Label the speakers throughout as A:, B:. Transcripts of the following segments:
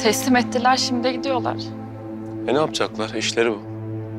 A: Teslim ettiler, şimdi gidiyorlar.
B: Ne yapacaklar? İşleri bu.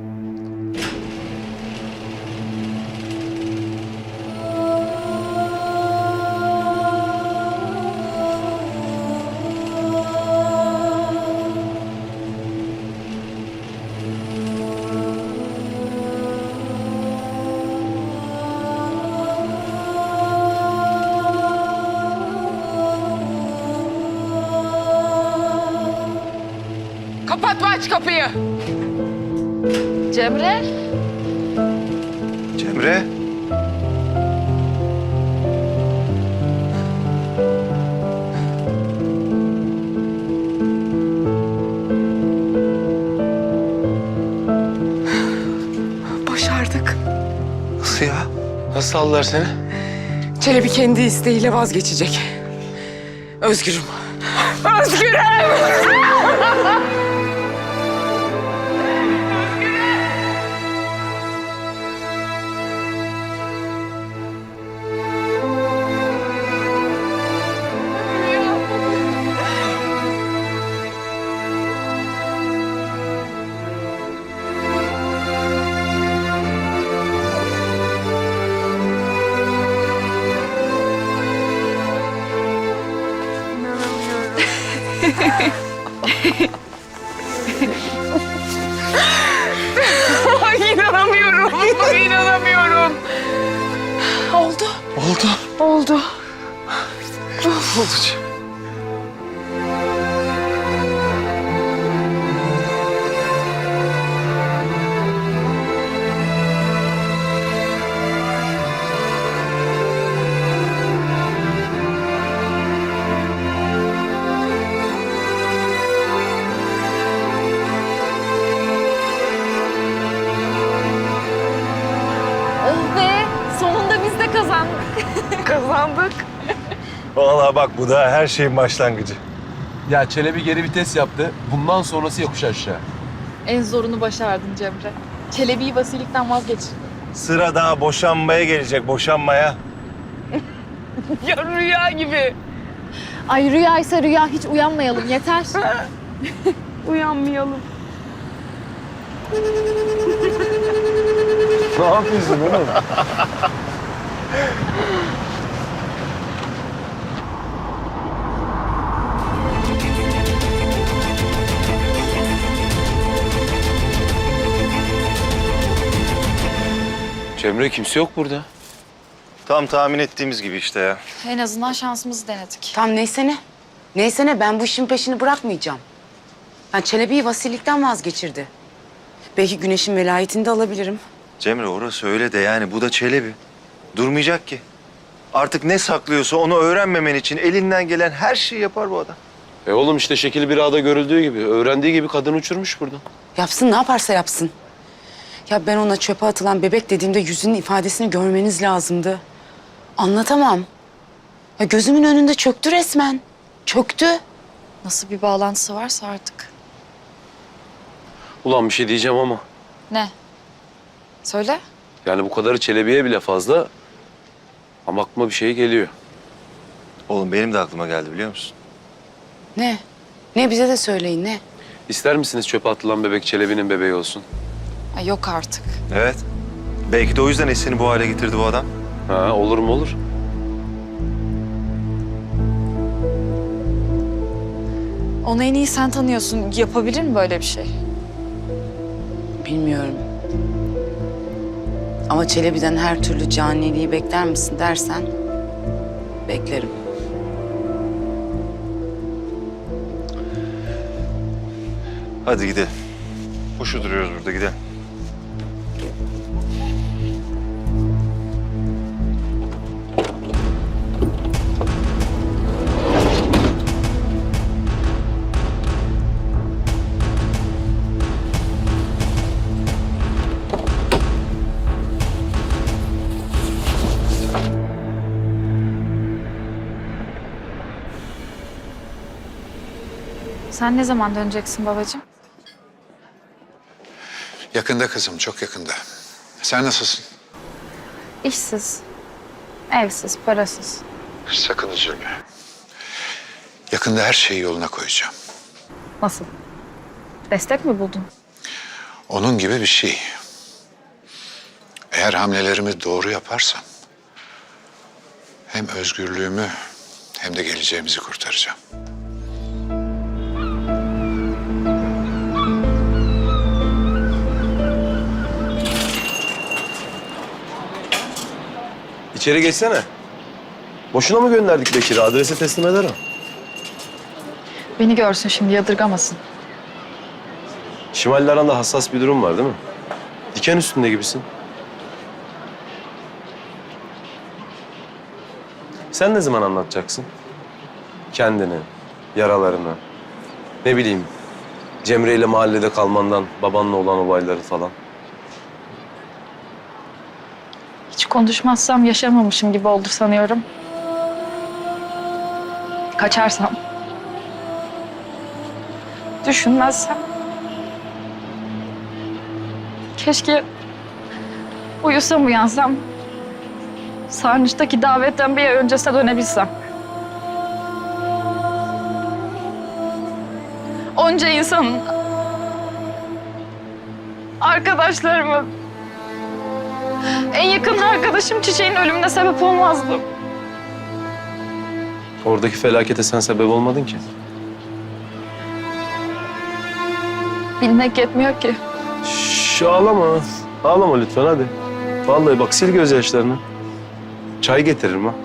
C: Kapatma, aç kapıyı.
A: Cemre,
D: Cemre.
C: Başardık.
D: Nasıl ya?
B: Nasıl aldılar seni?
C: Çelebi kendi isteğiyle vazgeçecek. Özgürüm. Özgürüm! Ay, inanamıyorum. İnanamıyorum. Oldu.
D: Oldu.
C: Oldu.
D: Oldu.
A: oh be! Sonunda biz de kazandık.
C: Kazandık.
D: Vallahi bak bu da her şeyin başlangıcı.
E: Ya Çelebi geri vites yaptı. Bundan sonrası yokuş aşağı.
A: En zorunu başardın Cemre. Çelebi'yi vasilikten vazgeçirdin.
D: Sıra daha boşanmaya gelecek, boşanmaya.
C: Ya rüya gibi.
A: Ay rüyaysa rüya, hiç uyanmayalım yeter.
C: Uyanmayalım.
D: Ne yapıyorsun oğlum?
B: Cemre, kimse yok burada.
D: Tam tahmin ettiğimiz gibi işte ya.
A: En azından şansımızı denedik.
F: Tam neyse ne. Neyse ne, ben bu işin peşini bırakmayacağım. Ben Çelebi'yi vasilikten vazgeçirdi. Belki Güneş'in velayetini de alabilirim.
D: Cemre orası öyle de yani bu da Çelebi. Durmayacak ki. Artık ne saklıyorsa onu öğrenmemen için elinden gelen her şeyi yapar bu adam.
B: Oğlum işte şekil bir ağda görüldüğü gibi. Öğrendiği gibi kadın uçurmuş buradan.
F: Yapsın, ne yaparsa yapsın. Ya ben ona çöpe atılan bebek dediğimde yüzünün ifadesini görmeniz lazımdı. Anlatamam. Ya gözümün önünde çöktü resmen. Çöktü.
A: Nasıl bir bağlantısı varsa artık.
B: Ulan bir şey diyeceğim ama.
A: Ne? Söyle.
B: Yani bu kadarı Çelebi'ye bile fazla. Ama aklıma bir şey geliyor.
D: Oğlum benim de aklıma geldi biliyor musun?
F: Ne? Ne, bize de söyleyin, ne?
B: İster misiniz çöpe atılan bebek Çelebi'nin bebeği olsun?
A: Ay yok artık.
D: Evet. Belki de o yüzden Esen'i bu hale getirdi bu adam.
B: Ha, olur mu olur.
A: Onu en iyi sen tanıyorsun. Yapabilir mi böyle bir şey?
F: Bilmiyorum. Ama Çelebi'den her türlü caniliği bekler misin dersen... beklerim.
D: Hadi gidelim. Boşu duruyoruz burada, gidelim.
A: Sen ne zaman döneceksin babacığım?
G: Yakında kızım, çok yakında. Sen nasılsın?
A: İşsiz, evsiz, parasız.
G: Sakın üzülme. Yakında her şeyi yoluna koyacağım.
A: Nasıl? Destek mi buldun?
G: Onun gibi bir şey. Eğer hamlelerimi doğru yaparsam hem özgürlüğümü hem de geleceğimizi kurtaracağım.
B: İçeri geçsene. Boşuna mı gönderdik Bekir'i? Adrese teslim eder o.
A: Beni görsün şimdi, yadırgamasın.
B: Şimal'le aranda hassas bir durum var değil mi? Diken üstünde gibisin. Sen ne zaman anlatacaksın? Kendini, yaralarını, ne bileyim, Cemre ile mahallede kalmandan, babanla olan olayları falan.
A: Hiç konuşmazsam yaşamamışım gibi oldu sanıyorum. Kaçarsam, düşünmezsem. Keşke uyusam uyansam, Sarnıç'taki davetten bir ay öncesine dönebilsem. Onca insanın, arkadaşlarımın, en yakın arkadaşım Çiçek'in ölümüne sebep olmazdım.
B: Oradaki felakete sen sebep olmadın ki.
A: Bilmek yetmiyor ki.
B: Şş, ağlama. Ağlama lütfen hadi. Vallahi bak sil gözyaşlarını. Çay getiririm ha.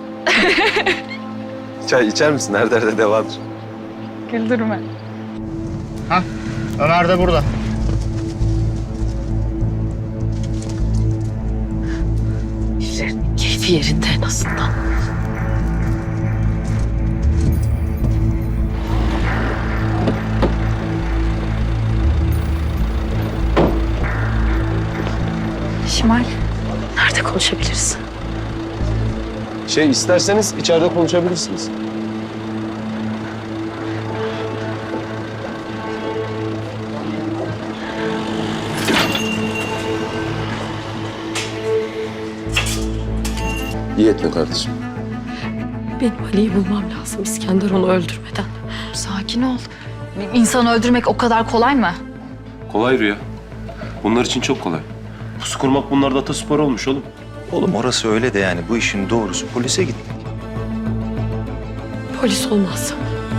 B: Çay içer misin? Her derde devadır.
A: Güldürme.
H: Ömer de burada.
F: Keyfi yerinde en azından.
A: Şimal.
F: Nerede konuşabiliriz?
B: İsterseniz içeride konuşabilirsiniz. İyi etme kardeşim.
I: Benim Ali'yi bulmam lazım İskender onu öldürmeden.
A: Sakin ol. Bir İnsanı öldürmek o kadar kolay mı?
B: Kolay Rüya. Bunlar için çok kolay. Pusu kurmak bunlarda ataspor olmuş oğlum.
D: Oğlum orası öyle de yani bu işin doğrusu polise gitmek.
I: Polis olmaz.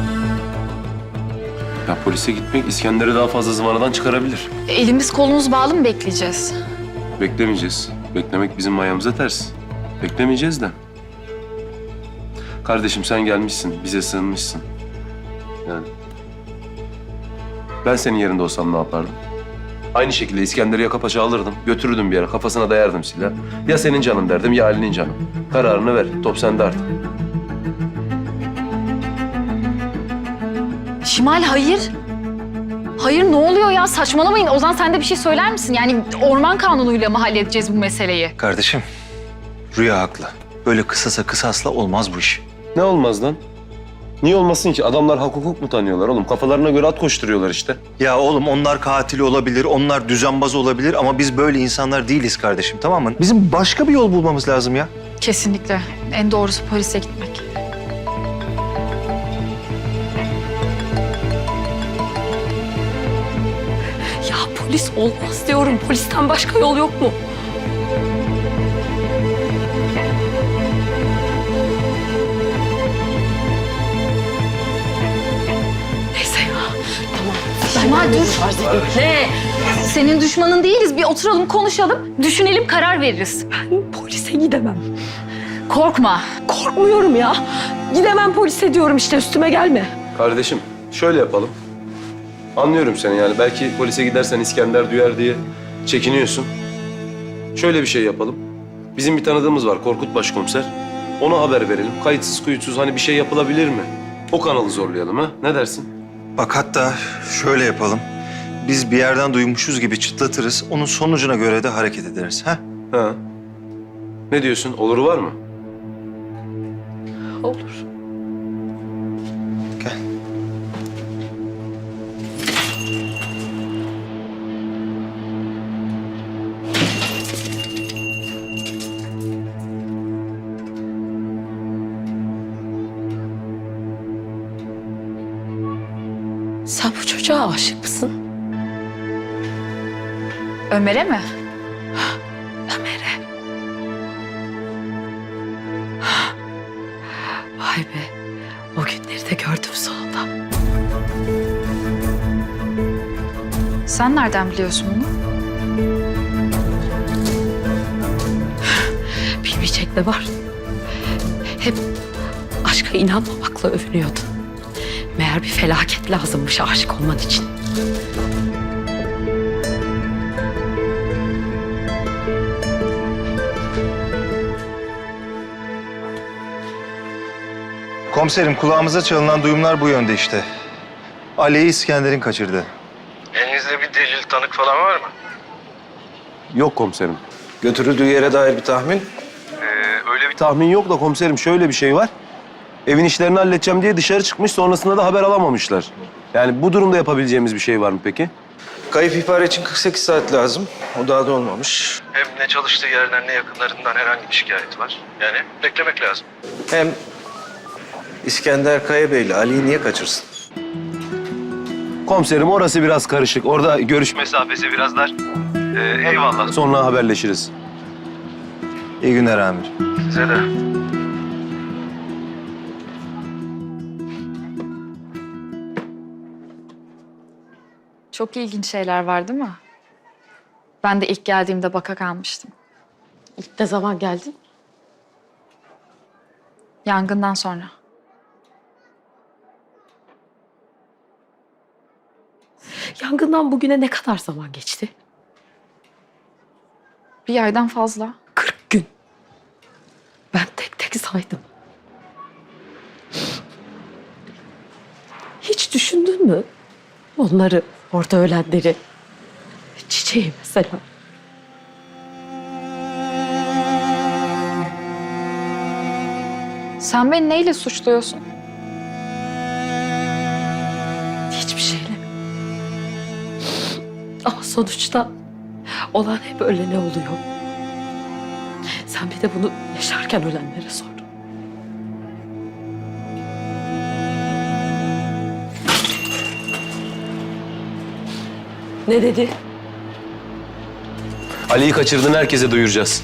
B: Ya polise gitmek İskender'i daha fazla zıvanadan çıkarabilir.
A: Elimiz kolumuz bağlı mı bekleyeceğiz?
B: Beklemeyeceğiz. Beklemek bizim ayağımıza ters. Beklemeyeceğiz de. Kardeşim sen gelmişsin, bize sığınmışsın. Yani. Ben senin yerinde olsam ne yapardım? Aynı şekilde İskender'i yaka paça alırdım, götürürdüm bir yere, kafasına dayardım silah. Ya senin canın derdim ya Ali'nin canı. Kararını ver, top sende artık.
A: Şimal hayır. Hayır ne oluyor ya? Saçmalamayın. Ozan sen de bir şey söyler misin? Yani orman kanunuyla mı halledeceğiz bu meseleyi?
D: Kardeşim, Rüya haklı. Böyle kısasa kısasla olmaz bu iş.
B: Ne olmaz lan? Niye olmasın ki? Adamlar hak hukuk mu tanıyorlar oğlum? Kafalarına göre at koşturuyorlar işte.
D: Ya oğlum onlar katil olabilir, onlar düzenbaz olabilir ama biz böyle insanlar değiliz kardeşim, tamam mı? Bizim başka bir yol bulmamız lazım ya.
A: Kesinlikle. En doğrusu polise gitmek.
I: Ya polis olmaz diyorum. Polisten başka yol yok mu? Neyse ya. Tamam.
A: Şimal dur.
I: Ne?
A: Senin düşmanın değiliz. Bir oturalım konuşalım. Düşünelim karar veririz.
I: Ben polise gidemem.
A: Korkma.
I: Korkmuyorum ya. Gidemem polise diyorum işte üstüme gelme.
B: Kardeşim şöyle yapalım. Anlıyorum seni yani. Belki polise gidersen İskender duyar diye çekiniyorsun. Şöyle bir şey yapalım. Bizim bir tanıdığımız var Korkut Başkomiser. Ona haber verelim. Kayıtsız kuyutsuz hani bir şey yapılabilir mi? O kanalı zorlayalım ha. Ne dersin?
D: Bak hatta şöyle yapalım. Biz bir yerden duymuşuz gibi çıtlatırız. Onun sonucuna göre de hareket ederiz. Ha?
B: Ha. Ne diyorsun? Oluru var mı?
I: Olur.
D: Gel.
I: Sen bu çocuğa çocuğa aşık mısın?
A: Ömer'e mi?
I: Ömer'e. Vay be. O günleri de gördüm sonunda.
A: Sen nereden biliyorsun bunu?
I: Bilmeyecek ne var? Hep aşka inanmamakla övünüyordun. Meğer bir felaket lazımmış aşık olman için.
D: Komiserim, kulağımıza çalınan duyumlar bu yönde işte. Ali'yi İskender'in kaçırdı. Elinizde bir delil, tanık falan var mı?
B: Yok komiserim.
D: Götürüldüğü yere dair bir tahmin?
B: Öyle bir tahmin yok da komiserim şöyle bir şey var. Evin işlerini halledeceğim diye dışarı çıkmış, sonrasında da haber alamamışlar. Yani bu durumda yapabileceğimiz bir şey var mı peki?
D: Kayıp ihbarı için 48 saat lazım. O daha da olmamış. Hem ne çalıştığı yerden ne yakınlarından herhangi bir şikayet var. Yani beklemek lazım. Hem İskender Kaya Bey'le Ali'yi niye kaçırsın?
B: Komiserim orası biraz karışık. Orada görüş mesafesi biraz dar. Eyvallah. Sonra haberleşiriz.
D: İyi günler amir. Size de.
A: Çok ilginç şeyler var değil mi? Ben de ilk geldiğimde baka kalmıştım.
I: İlk ne zaman geldin?
A: Yangından sonra.
I: Yangından bugüne ne kadar zaman geçti?
A: Bir aydan fazla.
I: 40 gün. Ben tek tek saydım. Hiç düşündün mü? Onları, orada ölenleri. Çiçeği mesela.
A: Sen beni neyle suçluyorsun?
I: Hiçbir şeyle. Ama sonuçta olan hep ölene oluyor. Sen bir de bunu yaşarken ölenlere sor. Ne dedi?
B: Ali'yi kaçırdığını herkese duyuracağız.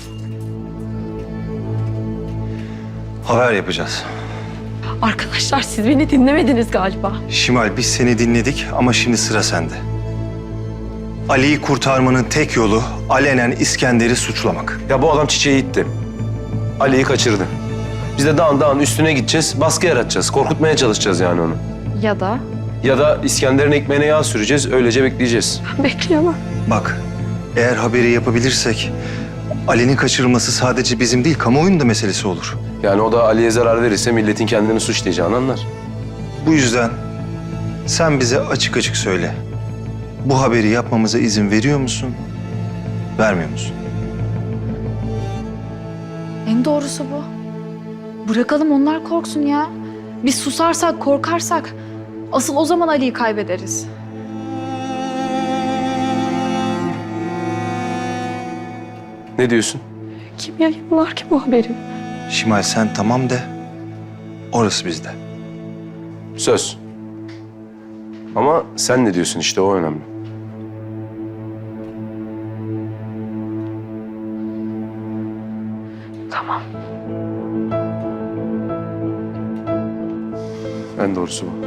D: Haber yapacağız.
I: Arkadaşlar siz beni dinlemediniz galiba.
D: Şimal, biz seni dinledik ama şimdi sıra sende. Ali'yi kurtarmanın tek yolu alenen İskender'i suçlamak.
B: Ya bu adam çiçeği itti. Ali'yi kaçırdı. Biz de dağın üstüne gideceğiz, baskı yaratacağız. Korkutmaya çalışacağız yani onu.
A: Ya da
B: Ya da İskender'in ekmeğine yağ süreceğiz, öylece bekleyeceğiz.
I: Ben bekleyemem.
D: Bak, eğer haberi yapabilirsek Ali'nin kaçırılması sadece bizim değil, kamuoyunun da meselesi olur.
B: Yani o da Ali'ye zarar verirse milletin kendini suçlayacağını anlar.
D: Bu yüzden sen bize açık açık söyle. Bu haberi yapmamıza izin veriyor musun, vermiyor musun?
A: en doğrusu bu. Bırakalım onlar korksun ya. Biz susarsak, korkarsak asıl o zaman Ali'yi kaybederiz.
B: Ne diyorsun?
I: Kim yayınlar ki bu haberi?
D: Şimal, sen tamam de, orası bizde.
B: Söz. Ama sen ne diyorsun işte o önemli.
I: Tamam.
B: En doğrusu bu.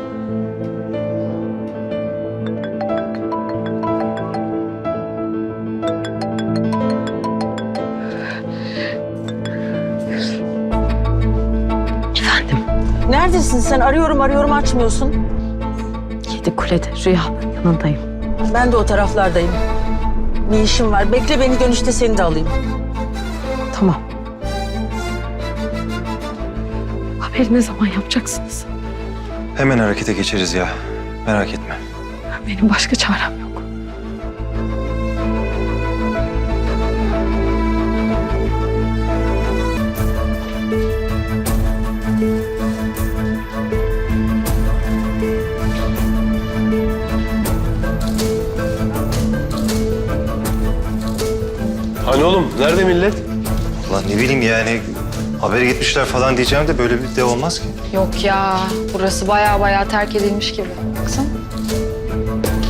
I: Efendim,
H: Neredesin sen? Arıyorum açmıyorsun.
I: Yedi Kule'de Rüya'nın yanındayım.
H: Ben de o taraflardayım. Bir işim var. Bekle beni, dönüşte seni de alayım.
I: Tamam. Haberi ne zaman yapacaksınız?
D: Hemen harekete geçeriz ya, merak etme.
I: Benim başka çarem yok.
B: Hani oğlum, nerede millet?
D: Ulan ne bileyim yani, habere gitmişler falan diyeceğim de böyle bir de olmaz ki.
A: Yok ya, burası baya terk edilmiş gibi. Baksana.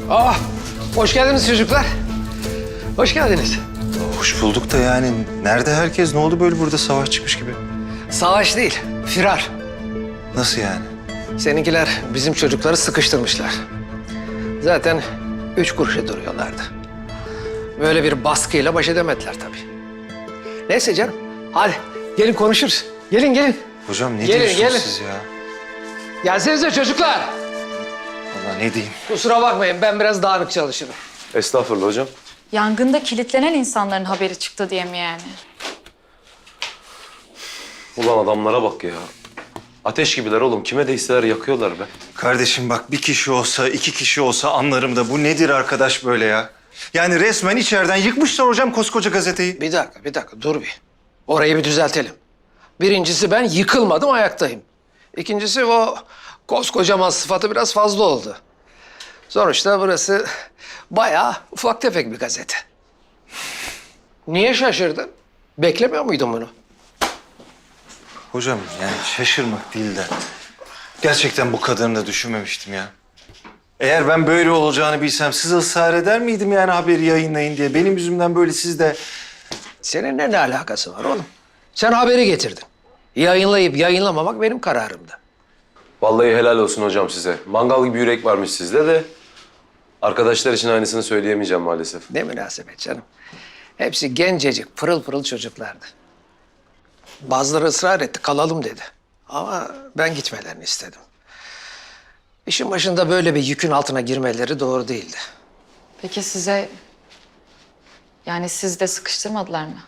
J: Hoş geldiniz çocuklar. Hoş geldiniz.
D: Hoş bulduk da yani nerede herkes? Ne oldu böyle burada savaş çıkmış gibi?
J: Savaş değil, firar.
D: Nasıl yani?
J: Seninkiler bizim çocukları sıkıştırmışlar. Zaten 3 kuruşa duruyorlardı. Böyle bir baskıyla baş edemediler tabii. Neyse canım, hadi gelin konuşuruz. Gelin, gelin.
D: Hocam ne
J: Gelin,
D: diyorsunuz
J: gelin.
D: siz ya?
J: Gelsenize çocuklar.
D: Allah ne diyeyim?
J: Kusura bakmayın, ben biraz dağınık çalışırım.
B: Estağfurullah hocam.
A: Yangında kilitlenen insanların haberi çıktı diye mi yani?
B: Ulan adamlara bak ya. Ateş gibiler oğlum. Kime değseler yakıyorlar be.
D: Kardeşim bak bir kişi olsa, 2 kişi olsa anlarım da bu nedir arkadaş böyle ya? Yani resmen içeriden yıkmışlar hocam koskoca gazeteyi.
J: Bir dakika, dur bir. Orayı bir düzeltelim. Birincisi ben yıkılmadım, ayaktayım. İkincisi o koskocaman sıfatı biraz fazla oldu. Sonuçta burası bayağı ufak tefek bir gazete. Niye şaşırdın? Beklemiyor muydun bunu?
D: Hocam yani şaşırmak değil de gerçekten bu kadarını da düşünmemiştim ya. Eğer ben böyle olacağını bilsem size ısrar eder miydim yani haberi yayınlayın diye? Benim yüzümden böyle siz de...
J: Seninle ne alakası var oğlum? Sen haberi getirdin. Yayınlayıp yayınlamamak benim kararımdı.
B: Vallahi helal olsun hocam size. Mangal gibi yürek varmış sizde de. Arkadaşlar için aynısını söyleyemeyeceğim maalesef.
J: Ne münasebet canım. Hepsi gencecik, pırıl pırıl çocuklardı. Bazıları ısrar etti, kalalım dedi. Ama ben gitmelerini istedim. İşin başında böyle bir yükün altına girmeleri doğru değildi.
A: Peki size... Yani siz de sıkıştırmadılar mı?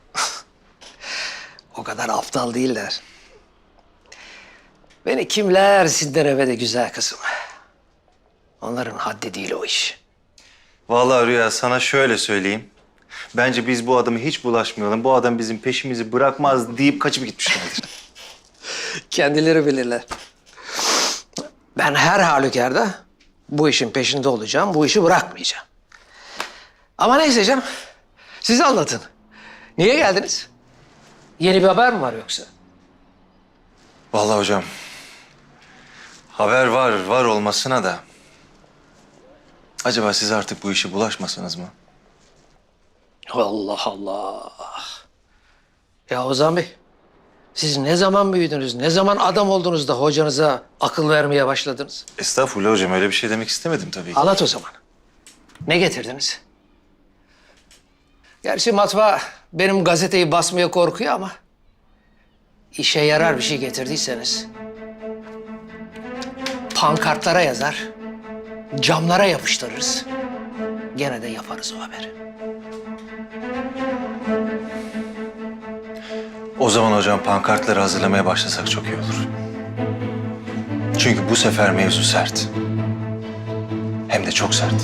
J: O kadar aptal değiller. Beni kimler sindiremedi güzel kızım. Onların haddi değil o iş.
D: Vallahi Rüya sana şöyle söyleyeyim. Bence biz bu adamı hiç bulaşmayalım. Bu adam bizim peşimizi bırakmaz deyip kaçıp gitmişlerdir.
J: Kendileri bilirler. Ben her halükarda bu işin peşinde olacağım, bu işi bırakmayacağım. Ama neyse canım, siz anlatın. Niye geldiniz? Yeni bir haber mi var yoksa?
D: Vallahi hocam haber var olmasına da acaba siz artık bu işe bulaşmasanız mı?
J: Allah Allah. Ya Ozan Bey, siz ne zaman büyüdünüz, ne zaman adam oldunuz da hocanıza akıl vermeye başladınız?
D: Estağfurullah hocam öyle bir şey demek istemedim tabii ki.
J: Anlat o zaman. Ne getirdiniz? Gerçi matbaa benim gazeteyi basmaya korkuyor ama... ...işe yarar bir şey getirdiyseniz... ...pankartlara yazar, camlara yapıştırırız. Gene de yaparız o haberi.
D: O zaman hocam pankartları hazırlamaya başlasak çok iyi olur. Çünkü bu sefer mevzu sert. Hem de çok sert.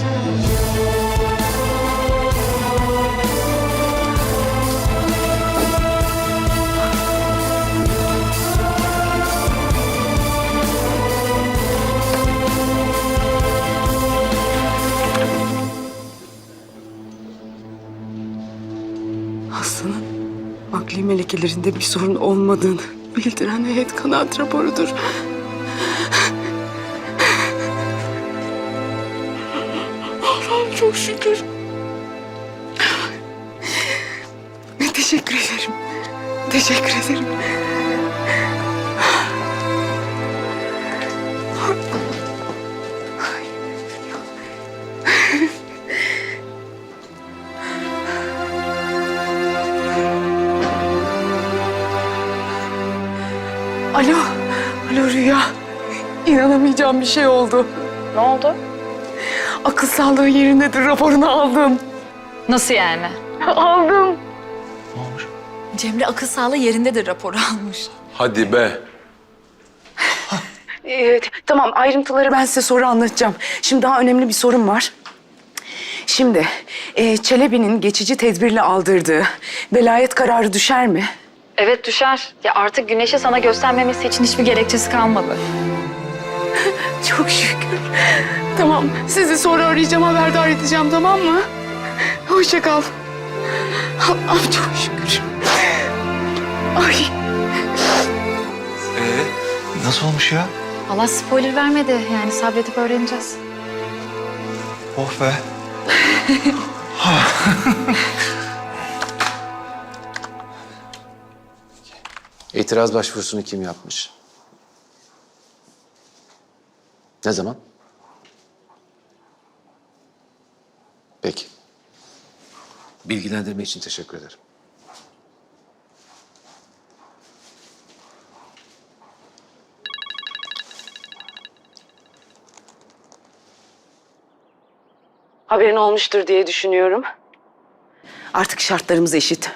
F: Aslı'nın akli melekelerinde bir sorun olmadığını bildiren heyet kanaat raporudur. Allah'ım çok şükür. Teşekkür ederim. Teşekkür ederim. Alo, alo Rüya. İnanamayacağım bir şey oldu.
A: Ne oldu?
F: Akıl sağlığı yerindedir raporunu aldım.
A: Nasıl yani?
F: Aldım.
A: Cemre akıl sağlığı yerindedir raporu almış.
B: Hadi be.
F: Tamam ayrıntıları ben size sonra anlatacağım. Şimdi daha önemli bir sorun var. Şimdi Çelebi'nin geçici tedbirle aldırdığı velayet kararı düşer mi?
A: Evet düşer. Ya artık Güneş'e sana göstermemesi için hiçbir gerekçesi kalmadı.
F: Çok şükür. Tamam sizi sonra arayacağım haberdar edeceğim tamam mı? Hoşça kal. Allah'ım çok şükür. Ay.
D: Nasıl olmuş ya?
A: Allah spoiler vermedi. Yani sabredip öğreneceğiz.
D: Oh be.
J: İtiraz başvurusunu kim yapmış? Ne zaman? Peki. Bilgilendirme için teşekkür ederim.
F: Haberin olmuştur diye düşünüyorum. Artık şartlarımız eşit.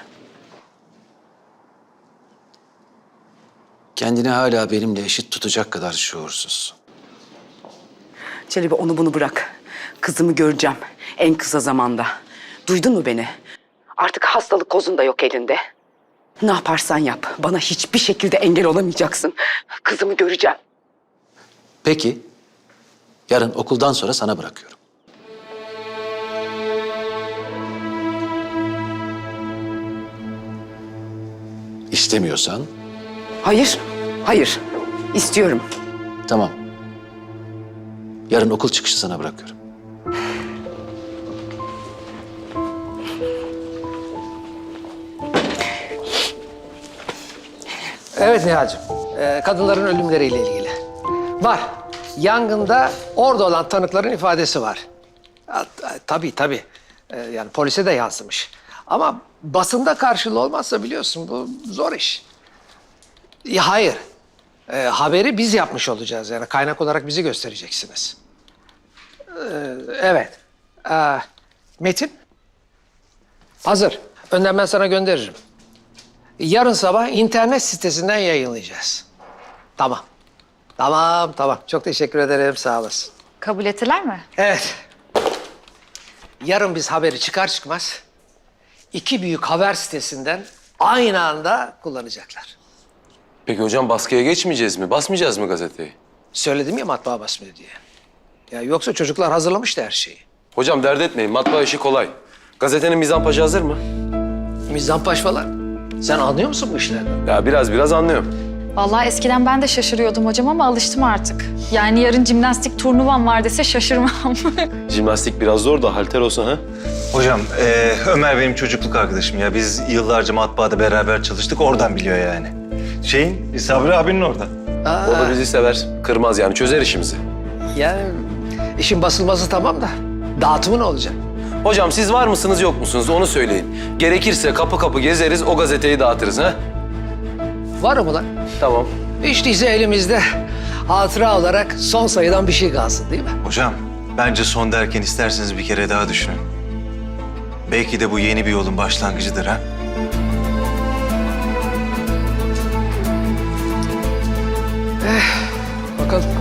J: Kendini hala benimle eşit tutacak kadar şuursuz.
F: Çelebi onu bunu bırak. Kızımı göreceğim en kısa zamanda. Duydun mu beni? Artık hastalık kozun da yok elinde. Ne yaparsan yap. Bana hiçbir şekilde engel olamayacaksın. Kızımı göreceğim.
J: Peki, yarın okuldan sonra sana bırakıyorum. İstemiyorsan
F: Hayır, hayır. İstiyorum.
J: tamam. Yarın okul çıkışı sana bırakıyorum. Evet Nihal'cığım, kadınların ölümleriyle ilgili. Var. Yangında orada olan tanıkların ifadesi var. Tabii. Yani polise de yansımış. Ama basında karşılığı olmazsa biliyorsun bu zor iş. Hayır. Haberi biz yapmış olacağız. Yani kaynak olarak bizi göstereceksiniz. Evet. Metin? Hazır. Önden ben sana gönderirim. Yarın sabah internet sitesinden yayınlayacağız. Tamam. Tamam. Çok teşekkür ederim. Sağ olasın.
A: Kabul ettiler mi?
J: Evet. Yarın biz haberi çıkar çıkmaz 2 büyük haber sitesinden aynı anda kullanacaklar.
B: Peki hocam baskıya geçmeyeceğiz mi? Basmayacağız mı gazeteyi?
J: Söyledim ya matbaa basmıyor diye. Ya yoksa çocuklar hazırlamıştı her şeyi.
B: Hocam dert etmeyin. Matbaa işi kolay. Gazetenin mizanpaşı hazır mı?
J: Mizanpaş falan. Sen anlıyor musun bu işlerden?
B: Ya biraz anlıyorum.
A: Vallahi eskiden ben de şaşırıyordum hocam ama alıştım artık. Yani yarın jimnastik turnuvam var dese şaşırmam.
B: Jimnastik biraz zor da halter olsa ha?
K: Hocam, Ömer benim çocukluk arkadaşım ya. Biz yıllarca matbaada beraber çalıştık, oradan biliyor yani. Sabri abinin orada.
B: O da bizi sever. Kırmaz yani çözer işimizi.
J: Yani işin basılması tamam da dağıtımı ne olacak?
B: Hocam siz var mısınız yok musunuz onu söyleyin. Gerekirse kapı kapı gezeriz o gazeteyi dağıtırız ha?
J: Var mı lan?
B: Tamam.
J: Hiç değilse elimizde hatıra olarak son sayıdan bir şey kalsın değil mi?
K: Hocam, bence son derken isterseniz bir kere daha düşünün. Belki de bu yeni bir yolun başlangıcıdır ha?
J: Bakalım.